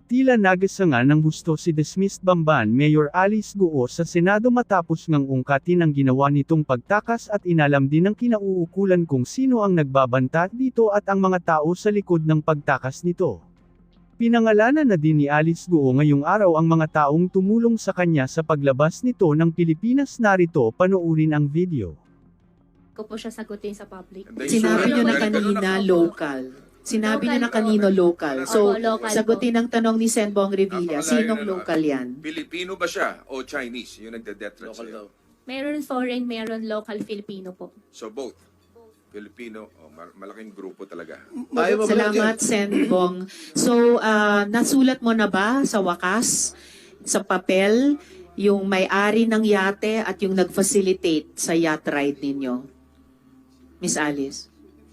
Tila nagasanga ng husto si dismissed Bamban Mayor Alice Guo sa Senado matapos ngang ungkatin ang ginawa nitong pagtakas at inalam din ng kinauukulan kung sino ang nagbabanta dito at ang mga tao sa likod ng pagtakas nito. Pinangalanan na din ni Alice Guo ngayong araw ang mga taong tumulong sa kanya sa paglabas nito ng Pilipinas. Narito panoorin ang video. Ko po siya sagutin sa public. Sinabi nyo na kanina local. Sinabi nyo na kanino local. So, Opo, local sagutin ang tanong ni Senbong Revilla, sinong local yan? Pilipino ba siya o Chinese yung nagde-death threat sa'yo? Meron foreign, meron local Filipino po. So both. Filipino, malaking grupo talaga. Salamat, Senbong. So, nasulat mo na ba sa wakas, sa papel, yung may-ari ng yate at yung nag-facilitate sa yacht ride ninyo? Miss Alice?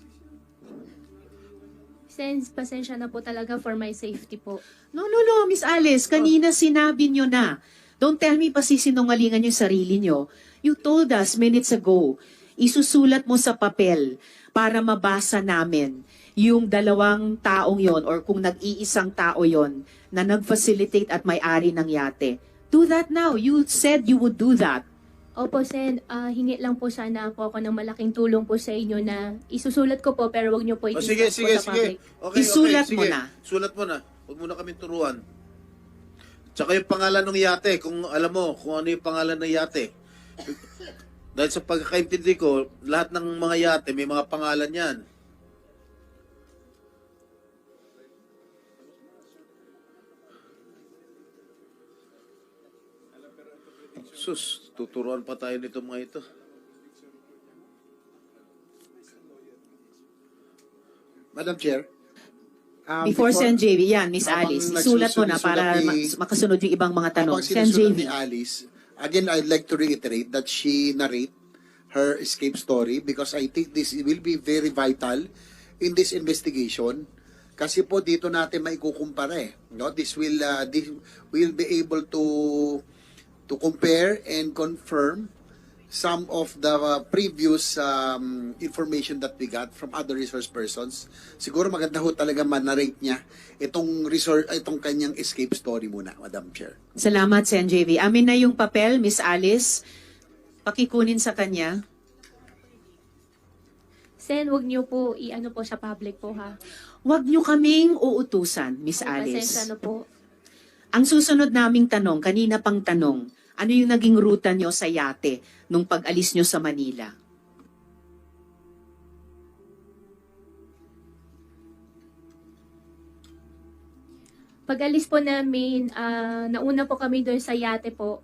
Since pasensya na po talaga for my safety po. No, Miss Alice. Kanina sinabi nyo na. Don't tell me pa sisinungalingan yung sarili nyo. You told us minutes ago, isusulat mo sa papel para mabasa namin yung dalawang taong yon or kung nag-iisang tao yon na nag-facilitate at may-ari ng yate. Do that now. You said you would do that. Opo, Sen, hingi lang po sana po ako ng malaking tulong po sa inyo na isusulat ko po pero wag niyo po Sige. po sa public. Okay, Isulat mo sige. na. Sulat mo na. Huwag mo na kami turuan. Tsaka yung pangalan ng yate, kung alam mo kung ano yung pangalan ng yate. Dahil sa pagkakaintindi ko, lahat ng mga yate may mga pangalan yan. Sus, tuturuan pa tayo nito mga ito. Madam Chair. Before Sen JV, yan, Miss habang Alice, isulat mo na para makasunod yung ibang mga tanong. Habang Sen sinusunod JV. ni Alice, again, I'd like to reiterate that she narrate her escape story because I think this will be very vital in this investigation. Kasi po dito natin maikukumpara eh. No? This will be able to compare and confirm some of the previous information that we got from other resource persons. Siguro maganda ho talaga man-narrate niya itong kanyang escape story muna, Madam Chair. Salamat, Sen JV. Amin na yung papel, Miss Alice. Pakikunin sa kanya. Sen, wag niyo po i-ano po sa public po ha. Huwag nyo kaming uutusan, Miss Pasensya Alice. na po. Ang susunod naming tanong, kanina pang tanong, ano yung naging ruta nyo sa yate nung pag-alis nyo sa Manila? Pag-alis po namin, nauna po kami doon sa yate po.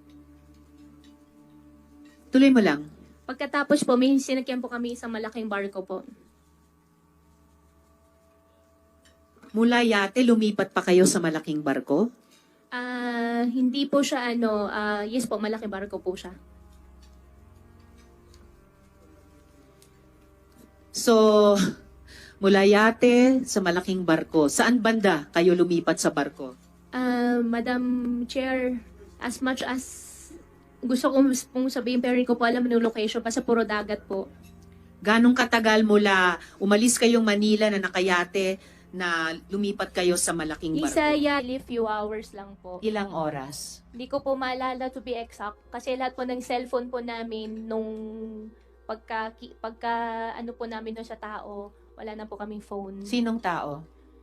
Tuloy mo lang. Pagkatapos po, may sinakyan po kami isang malaking barko po. Mula yate, lumipat pa kayo sa malaking barko? Hindi po siya yes po, malaking barko po siya. So, mula yate sa malaking barko. Saan banda kayo lumipat sa barko? Madam Chair, as much as gusto ko pong sabihin, pero hindi ko po alam yung location pa sa puro dagat po. Ganong katagal mula umalis kayong Manila na nakayate na lumipat kayo sa malaking barko? Isaya, few hours lang po. Ilang oras? Hindi ko po maalala to be exact kasi lahat po ng cellphone po namin nung pagka ano po namin doon sa tao, wala na po kaming phone. Sinong tao?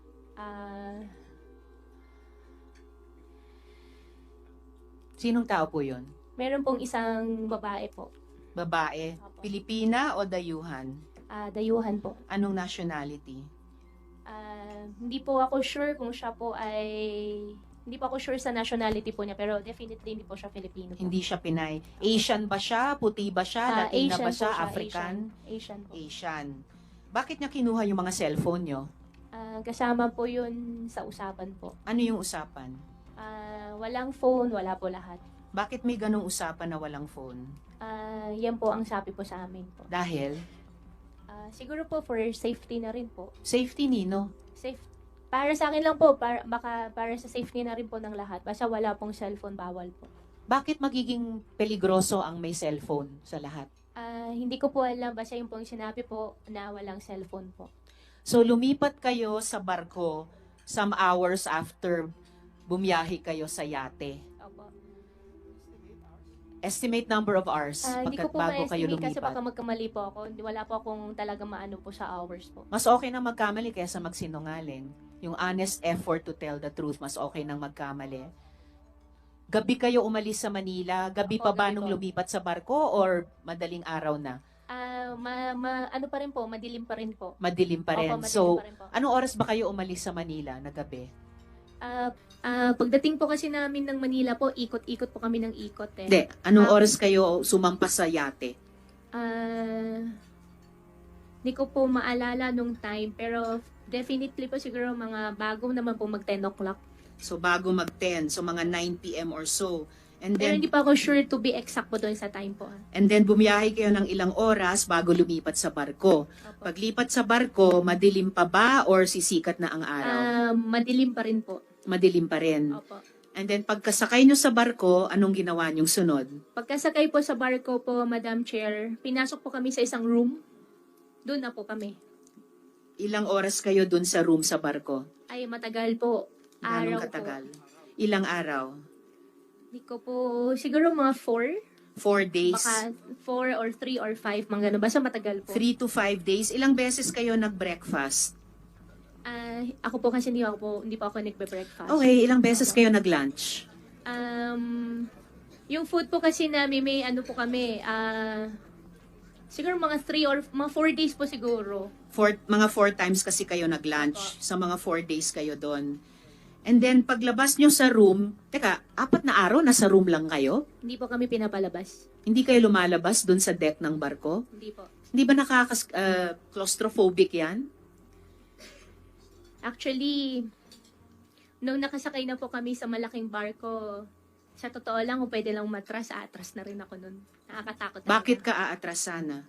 Sinong tao po yun? Meron pong isang babae po. Babae? Opo. Pilipina o dayuhan? Dayuhan po. Anong nationality? Hindi po ako sure kung siya po ay... Hindi po ako sure sa nationality po niya, pero definitely hindi po siya Filipino po. Hindi siya Pinay. Asian ba siya? Puti ba siya? Latina Asian ba po siya? African? Asian po. Asian. Bakit niya kinuha yung mga cellphone nyo? Kasama po yun sa usapan po. Ano yung usapan? Walang phone, wala po lahat. Bakit may ganong usapan na walang phone? Yan po ang sabi po sa amin po. Dahil? Siguro po for safety na rin po. Safety nino? Para sa akin lang po, para sa safety na rin po ng lahat. Basta wala pong cellphone, bawal po. Bakit magiging peligroso ang may cellphone sa lahat? Hindi ko po alam, basta yung pong sinabi po na walang cellphone po. So lumipat kayo sa barko some hours after bumiyahe kayo sa yate. Opo. Estimate number of hours Hindi ko po bago kayo ma-estimate kasi baka lumipat. magkamali po ako. Wala po akong talaga maano po sa hours po. Mas okay na magkamali kaysa magsinungaling. Yung honest effort to tell the truth, mas okay nang magkamali. Gabi kayo umalis sa Manila? Gabi Opo, pa ba gabi nung po. lumipat sa barko or madaling araw na? Ano pa rin po, madilim pa rin po. Madilim pa rin. Opo, madilim So, pa rin po. anong oras ba kayo umalis sa Manila na gabi? Pagdating po kasi namin ng Manila po, ikot-ikot po kami ng ikot eh. Hindi. Anong Ah. oras kayo sumampas sa yate? Hindi ko po maalala nung time, pero definitely po siguro mga bago naman po mag 10 o'clock. So, bago mag-10. So, mga 9 p.m. or so. And Pero then, hindi pa ako sure to be exact po doon sa time po. and then bumiyahe kayo ng ilang oras bago lumipat sa barko. Opo. Paglipat sa barko, madilim pa ba or sisikat na ang araw? Madilim pa rin po. Madilim pa rin. Opo. And then pagkasakay nyo sa barko, anong ginawa nyong sunod? Pagkasakay po sa barko po, Madam Chair, pinasok po kami sa isang room. Doon na po kami. Ilang oras kayo dun sa room sa barko? Ay, matagal po. Ganong Araw katagal? po. Ilang araw? Hindi ko po, siguro mga 4. 4 days? Baka 4 or 3 or 5, mga ganun. Basta matagal po. 3 to 5 days? Ilang beses kayo nag-breakfast? Ako po kasi hindi po ako nagbe-breakfast. Okay, ilang beses kayo nag-lunch? Yung food po kasi namin, may ano po kami, siguro mga 3 or mga 4 days po siguro. Mga 4 times kasi kayo nag-lunch. Sa mga 4 days kayo doon. And then, paglabas nyo sa room, teka, 4 na araw, nasa room lang kayo? Hindi po kami pinapalabas. Hindi kayo lumalabas doon sa deck ng barko? Hindi po. Hindi ba claustrophobic yan? Actually, nung nakasakay na po kami sa malaking barko, sa totoo lang, kung pwede lang atras na rin ako nun. Nakakatakot. talaga. Bakit ka aatras sana?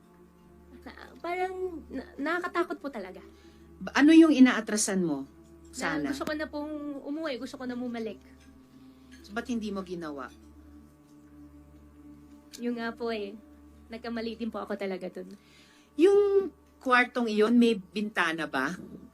Parang nakakatakot po talaga. Ano yung inaatrasan mo? Na Sana. gusto ko na pong umuwi, gusto ko na bumalik. So, ba't hindi mo ginawa? Yung nga po nagkamali din po ako talaga dun. Yung kwartong iyon, may bintana ba?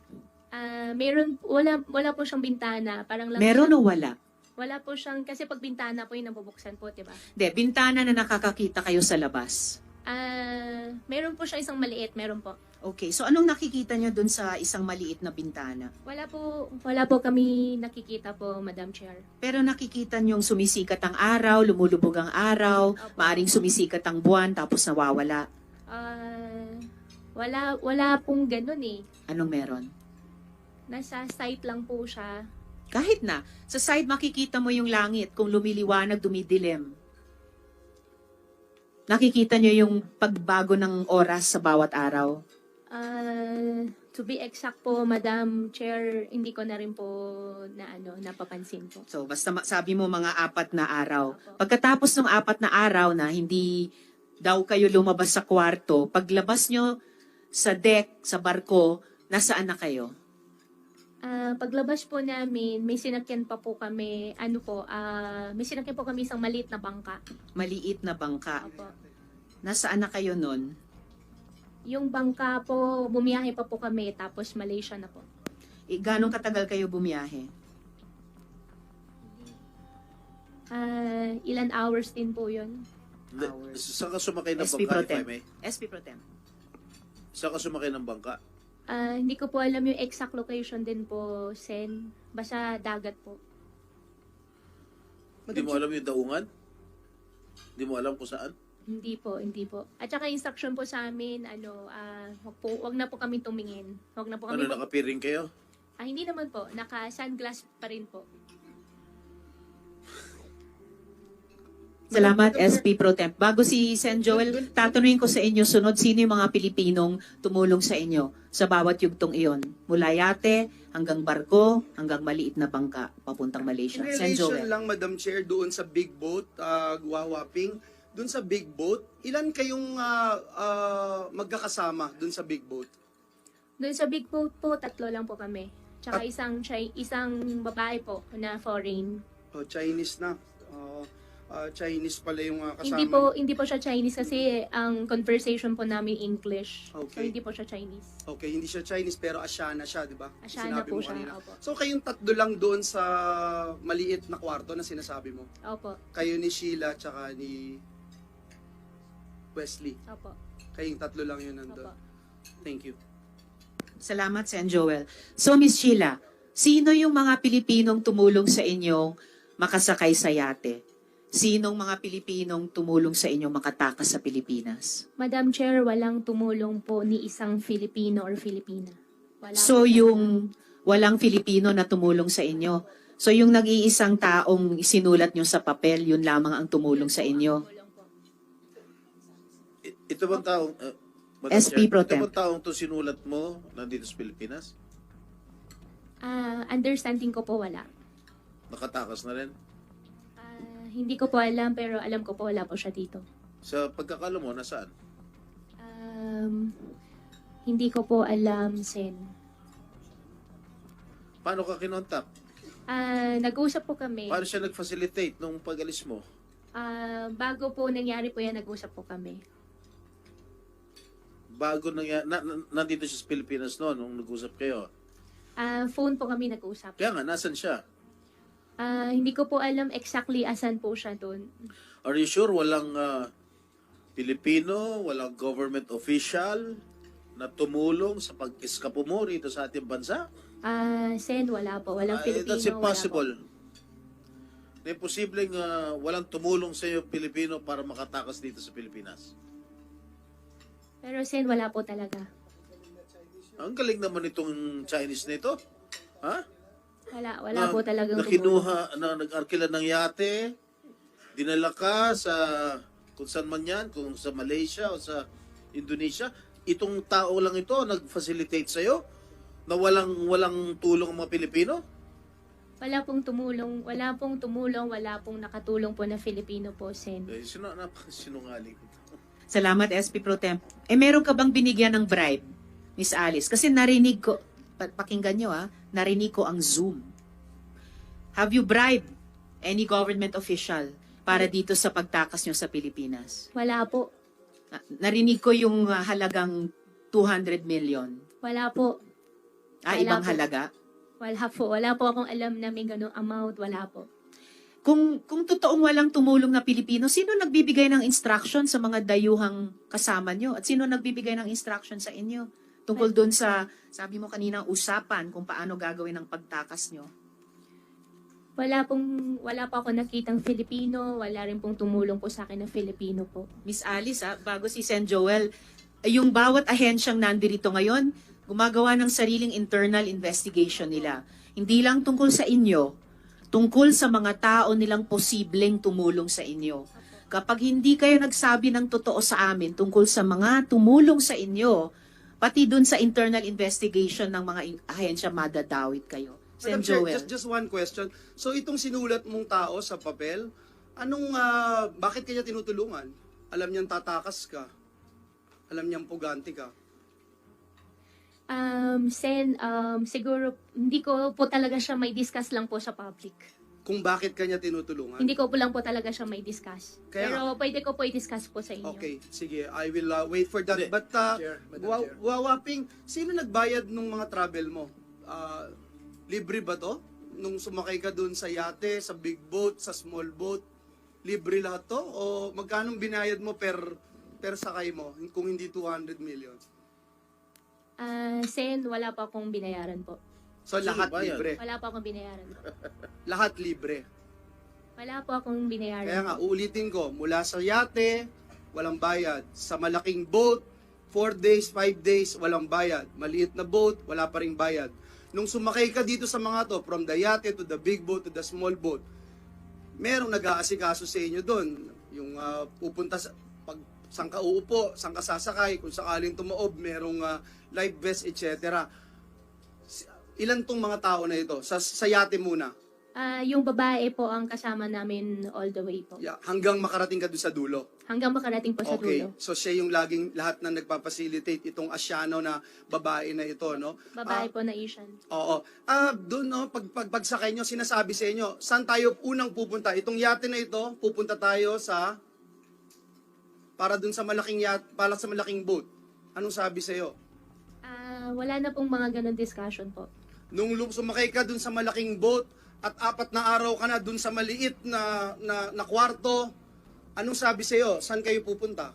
Wala po siyang bintana. Parang lang Meron o wala? Wala po siyang, kasi pag bintana po yung nabubuksan po, diba? Hindi, bintana na nakakakita kayo sa labas. Meron po siyang isang maliit, meron po. Okay, so anong nakikita nyo dun sa isang maliit na bintana? Wala po kami nakikita po, Madam Chair. Pero nakikita nyong sumisikat ang araw, lumulubog ang araw, Opo. maaring sumisikat ang buwan, tapos nawawala. Wala pong ganun eh. Anong meron? Nasa site lang po siya. Kahit na, sa side makikita mo yung langit, kung lumiliwanag, dumidilim. Nakikita nyo yung pagbago ng oras sa bawat araw. To be exact po, Madam Chair, hindi ko na rin po napapansin po. So, basta sabi mo mga 4 na araw. Opo. Pagkatapos ng 4 na araw na hindi daw kayo lumabas sa kwarto, paglabas nyo sa deck, sa barko, nasaan na kayo? Paglabas po namin, may sinakyan pa po kami, may sinakyan po kami isang maliit na bangka. Maliit na bangka. Opo. Nasaan na kayo nun? Yung bangka po, bumiyahe pa po kami, tapos Malaysia na po. Ganong katagal kayo bumiyahe? Ilan hours din po yun. Hours. Saan ka sumakay ng SP bangka, Pro if I Tem. may? SP Pro Tem. Saan ka sumakay ng bangka? Hindi ko po alam yung exact location din po, Sen. Basta dagat po. Hindi mo alam yung daungan? Hindi mo alam kung saan? Hindi po. At saka instruction po sa amin, wag na po kami tumingin. Wag na po kami. Nakapiring kayo? Hindi naman po. Naka-sunglass pa rin po. Salamat, SP Pro Temp. Bago si Sen Joel, tatanungin ko sa inyo, sunod, sino yung mga Pilipinong tumulong sa inyo sa bawat yugtong iyon? Mula yate, hanggang barko, hanggang maliit na bangka, papuntang Malaysia. In Sen relation Joel. lang, Madam Chair, doon sa big boat, Guwawaping, doon sa big boat, ilan kayong magkakasama doon sa big boat? Doon sa big boat po, 3 lang po kami. Tsaka isang babae po na foreign. Chinese na. Chinese pala yung kasama. Hindi po siya Chinese kasi ang conversation po namin English. So Okay. hindi po siya Chinese. Okay, hindi siya Chinese pero Asiana siya, di ba? Asiana Sinabi po mo siya, kanina. opo. So kayong tatlo lang doon sa maliit na kwarto na sinasabi mo? Opo. Kayo ni Sheila tsaka ni Wesley. Opo. Kayong tatlo lang yun nandun. Opo. Thank you. Salamat, Sen Joel. So, Miss Sheila, sino yung mga Pilipinong tumulong sa inyong makasakay sa yate? Sinong mga Pilipinong tumulong sa inyong makatakas sa Pilipinas? Madam Chair, walang tumulong po ni isang Filipino or Filipina. Wala So, po talaga. yung walang Filipino na tumulong sa inyo. So, yung nag-iisang taong sinulat nyo sa papel, yun lamang ang tumulong sa inyo. Ito bang taong, Madam SP Chair, Pro ito Tem. bang taong to sinulat mo nandito sa Pilipinas? Understanding ko po wala. Nakatakas na rin? Hindi ko po alam pero alam ko po wala po siya dito. Sa pagkakala mo, nasaan? Hindi ko po alam, Sen. Paano ka kinontak? Nag-usap po kami. Paano siya nag-facilitate nung pag-alis mo? Bago po nangyari po yan, nag-usap po kami. Bago nandito siya sa Pilipinas noon nung nag-usap kayo. Phone po kami nag-usap. Kaya nga, nasan siya? Hindi ko po alam exactly asan po siya doon. Are you sure walang Pilipino, walang government official na tumulong sa pag-eskapo mo rito sa ating bansa? Sen, wala po. Walang Filipino. That's impossible. Na imposibleng walang tumulong sa iyo Pilipino para makatakas dito sa Pilipinas. Pero Sen, wala po talaga. Ang galing naman itong Chinese na ito. Ha? Wala po talagang na kinuha, na nag-arkila ng yate, dinala ka sa kung saan man yan, kung sa Malaysia o sa Indonesia, itong tao lang ito nag-facilitate sa'yo na walang tulong ang mga Pilipino? Wala pong tumulong, wala pong nakatulong po na Filipino po, Sen. Sinungaling. Salamat, SP Pro Tem. Meron ka bang binigyan ng bribe, Miss Alice? Kasi narinig ko, pakinggan nyo narinig ko ang Zoom. Have you bribed any government official para dito sa pagtakas nyo sa Pilipinas? Wala po. Narinig ko yung halagang 200 million. Wala po. Wala Ibang po. halaga? Wala po. Wala po akong alam na may ganung amount. Wala po. Kung totoong walang tumulong na Pilipino, sino nagbibigay ng instruction sa mga dayuhang kasama nyo? At sino nagbibigay ng instruction sa inyo? Tungkol doon sa, sabi mo kanina, usapan kung paano gagawin ang pagtakas nyo. Wala po ako nakitang Filipino. Wala rin pong tumulong po sa akin na Filipino po. Miss Alice, bago si Sen Joel, yung bawat ahensyang nandirito ngayon, gumagawa ng sariling internal investigation nila. Hindi lang tungkol sa inyo, tungkol sa mga tao nilang posibleng tumulong sa inyo. Kapag hindi kayo nagsabi ng totoo sa amin tungkol sa mga tumulong sa inyo, pati dun sa internal investigation ng mga ahensya, madadawit kayo. Sen Madam Chair, Joel. just one question. So itong sinulat mong tao sa papel, bakit kanya tinutulungan? Alam niyang tatakas ka. Alam niyang puganti ka. Sen, siguro, hindi ko po talaga siya may discuss lang po sa public. Kung bakit kanya tinutulungan? Hindi ko po lang po talaga siya may discuss. Kaya Pero pwede ko po i-discuss po sa inyo. Okay, sige. I will wait for that. Hindi. But, Madam Chair. Wawaping, sino nagbayad nung mga travel mo? Libre ba to? Nung sumakay ka dun sa yate, sa big boat, sa small boat, libre lahat to? O magkano binayad mo per sakay mo kung hindi 200 million? Sen, wala pa akong binayaran po. So Sino lahat bayad? libre. Wala pa akong binayaran. Lahat libre. Wala po akong binayaran. Kaya nga, uulitin ko, mula sa yate, walang bayad. Sa malaking boat, 4 days, 5 days, walang bayad. Maliit na boat, wala pa ring bayad. Nung sumakay ka dito sa mga to, from the yate to the big boat to the small boat, merong nag-aasikaso sa inyo doon. Yung pupunta sa, saan ka uupo, saan ka sasakay, kung sakaling tumaob, merong life vest, etc. Ilan tong mga tao na ito? Sa yate muna. Yung babae po ang kasama namin all the way po. Yeah, hanggang makarating ka doon sa dulo. Hanggang makarating po sa Okay. dulo. So siya yung laging lahat na nagpapacilitate itong Asiano na babae na ito, no? Babae po na Asian. Oo. Doon, no, pagsakay nyo, sinasabi sa inyo, saan tayo unang pupunta? Itong yate na ito, pupunta tayo sa, para doon sa malaking yate, para sa malaking boat. Anong sabi sa iyo? Wala na pong mga ganun discussion po. Nung sumakay ka doon sa malaking boat, at 4 na araw ka na doon sa maliit na kwarto, anong sabi sa iyo? Saan kayo pupunta?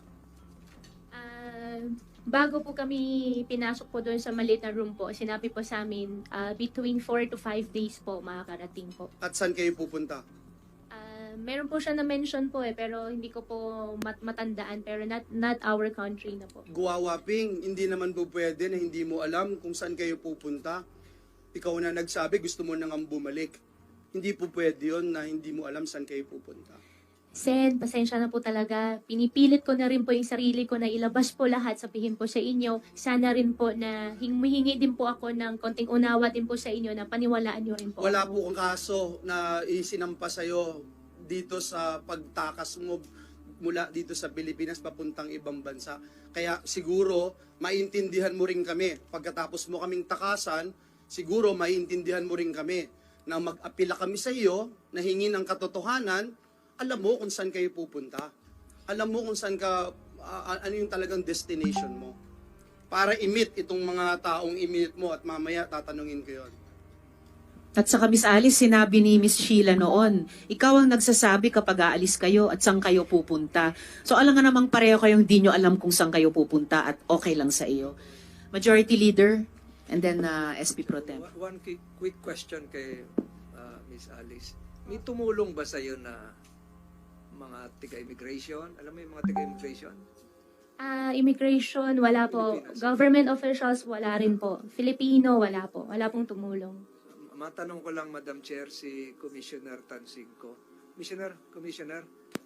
Bago po kami pinasok po doon sa maliit na room po, sinabi po sa amin, between 4 to 5 days po makakarating po. At saan kayo pupunta? Meron po siya na-mention po pero hindi ko po matandaan, pero not our country na po. Guwawaping, hindi naman po pwede na hindi mo alam kung saan kayo pupunta. Ikaw na nagsabi, gusto mo nang bumalik. Hindi po pwede yun na hindi mo alam saan kayo pupunta. Sen, pasensya na po talaga. Pinipilit ko na rin po yung sarili ko na ilabas po lahat, sabihin po sa inyo. Sana rin po na humihingi din po ako ng konting unawa din po sa inyo na paniwalaan nyo rin po. Wala ako. po kang kaso na isinampa sa'yo dito sa pagtakas mo mula dito sa Pilipinas papuntang ibang bansa. Kaya siguro maintindihan mo rin kami. Pagkatapos mo kaming takasan, siguro maintindihan mo rin kami na mag-apila kami sa iyo, na hingi ng katotohanan, alam mo kung saan kayo pupunta. Alam mo kung saan ka, ano yung talagang destination mo. Para i-meet itong mga taong i-meet mo at mamaya tatanungin ko yun. At saka Miss Alice, sinabi ni Miss Sheila noon, ikaw ang nagsasabi kapag aalis kayo at saan kayo pupunta. So alam nga namang pareho kayong di nyo alam kung saan kayo pupunta at okay lang sa iyo. Majority Leader, and then SP Pro Tem. One quick question kay Miss Alice. May tumulong ba sa'yo na mga tiga-immigration? Alam mo yung mga tiga-immigration? Immigration, wala po. Pilipinas. Government officials, wala rin po. Filipino, wala po. Wala pong tumulong. Matanong ko lang, Madam Chair, si Commissioner Tansingco. Commissioner,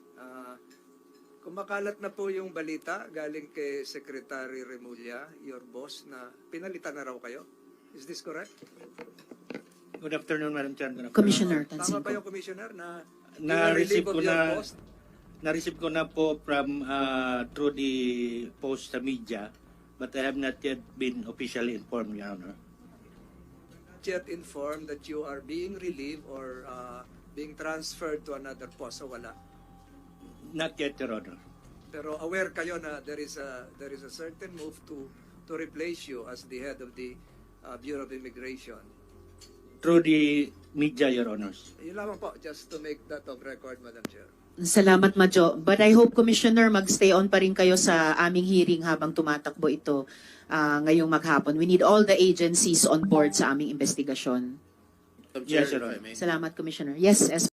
kumakalat na po yung balita galing kay Secretary Remulla, your boss, na pinalitan na raw kayo. Is this correct? Good afternoon, Madam Chair. Good afternoon. Commissioner Tama ba Tansingco. yung Commissioner na Na-receive ko your na post? na-receive ko na po from through the post sa media, but I have not yet been officially informed, Your Honor. Yet informed that you are being relieved or being transferred to another post, so wala. Not yet, Your Honor. Pero aware kayo na there is a certain move to replace you as the head of the Bureau of Immigration. Through the media, Your Honors. Yun lamang po, just to make that of record, Madam Chair. Salamat, Madjo. But I hope, Commissioner, mag-stay on pa rin kayo sa aming hearing habang tumatakbo ito ngayong maghapon. We need all the agencies on board sa aming investigasyon. Madam Chair, Yes, Your if I Honor. may. Salamat, Commissioner. Yes,